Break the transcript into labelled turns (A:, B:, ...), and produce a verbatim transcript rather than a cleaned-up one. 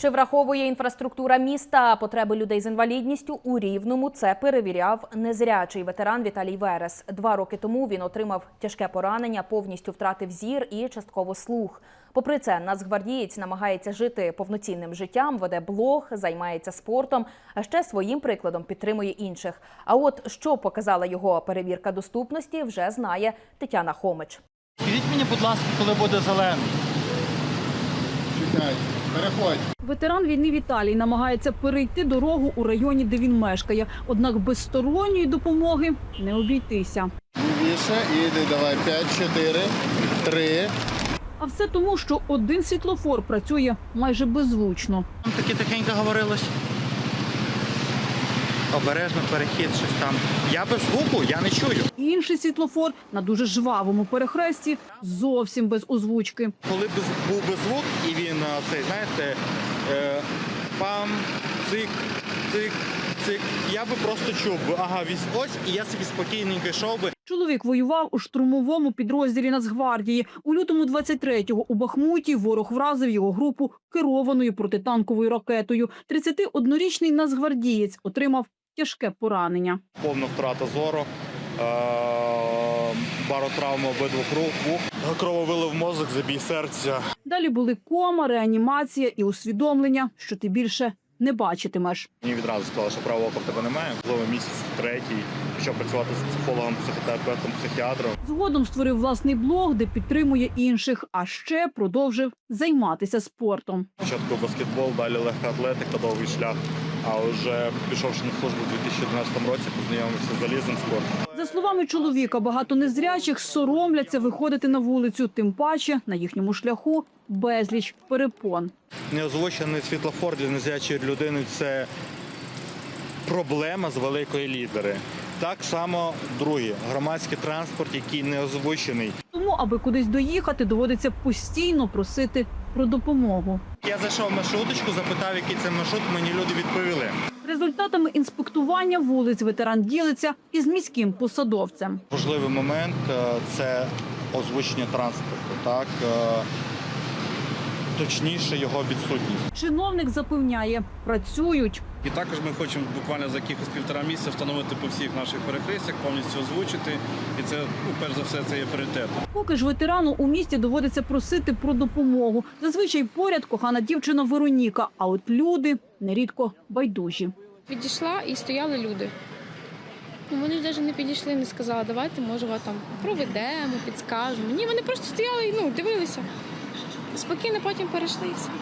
A: Чи враховує інфраструктура міста потреби людей з інвалідністю у Рівному? Це перевіряв незрячий ветеран Віталій Верес. Два роки тому він отримав тяжке поранення, повністю втратив зір і частково слух. Попри це, нацгвардієць намагається жити повноцінним життям, веде блог, займається спортом, а ще своїм прикладом підтримує інших. А от що показала його перевірка доступності, вже знає Тетяна Хомич.
B: Скажіть мені, будь ласка, коли буде зелений?
C: Чекай, переходь.
D: Ветеран війни Віталій намагається перейти дорогу у районі, де він мешкає. Однак без сторонньої допомоги не обійтися.
C: Лівіше, іди, давай, п'ять, чотири, три.
D: А все тому, що один світлофор працює майже беззвучно.
B: Там таки тихенько говорилось. Обережно перехід, щось там. Я без звуку, я не чую.
D: Інший світлофор на дуже жвавому перехресті зовсім без озвучки.
B: Коли без, був би звук, і він а, цей, знаєте, е, пам, цик, цик, цик, я би просто чув би, ага, вісь ось, і я собі спокійненько йшов би.
D: Чоловік воював у штурмовому підрозділі Нацгвардії. У лютому двадцять третього у Бахмуті ворог вразив його групу керованою протитанковою ракетою. тридцятиоднорічний нацгвардієць отримав тяжке поранення.
B: Повна втрата зору, е, баротравма обидвох рук, крововилив мозок, забій серця.
D: Далі були кома, реанімація і усвідомлення, що ти більше не бачитимеш.
B: Мені відразу сказали, що правого ока в тебе немає. Можливо, місяць третій, почав працювати з психологом, психотерапевтом, психіатром.
D: Згодом створив власний блог, де підтримує інших, а ще продовжив займатися спортом.
B: Спочатку баскетбол, далі легка атлетика, довгий шлях. А вже пішовши на службу у дві тисячі одинадцятому році, познайомився з залізним спортом.
D: За словами чоловіка, багато незрячих соромляться виходити на вулицю, тим паче на їхньому шляху безліч перепон.
B: Неозвучений світлофор для незрячої людини – це проблема з великої літери. Так само другий – громадський транспорт, який не озвучений.
D: Тому, аби кудись доїхати, доводиться постійно просити про допомогу.
B: Я зайшов в маршруточку, запитав, який це маршрут, мені люди відповіли.
D: Результатами інспектування вулиць ветеран ділиться із міським посадовцем.
B: Важливий момент е, – це озвучення транспорту, так? Е, точніше, його відсутність.
D: Чиновник запевняє, працюють.
E: І також ми хочемо буквально за якихось півтора місяця встановити по всіх наших перехрестях, повністю озвучити. І це, ну, перш за все, це є пріоритет.
D: Поки ж ветерану у місті доводиться просити про допомогу. Зазвичай поряд кохана дівчина Вероніка, а от люди нерідко байдужі.
F: Підійшла і стояли люди. Ну, вони ж навіть не підійшли, не сказали, давайте, може, вас там проведемо, підскажемо. Ні, вони просто стояли і ну, дивилися. Спокійно потім перейшли і все.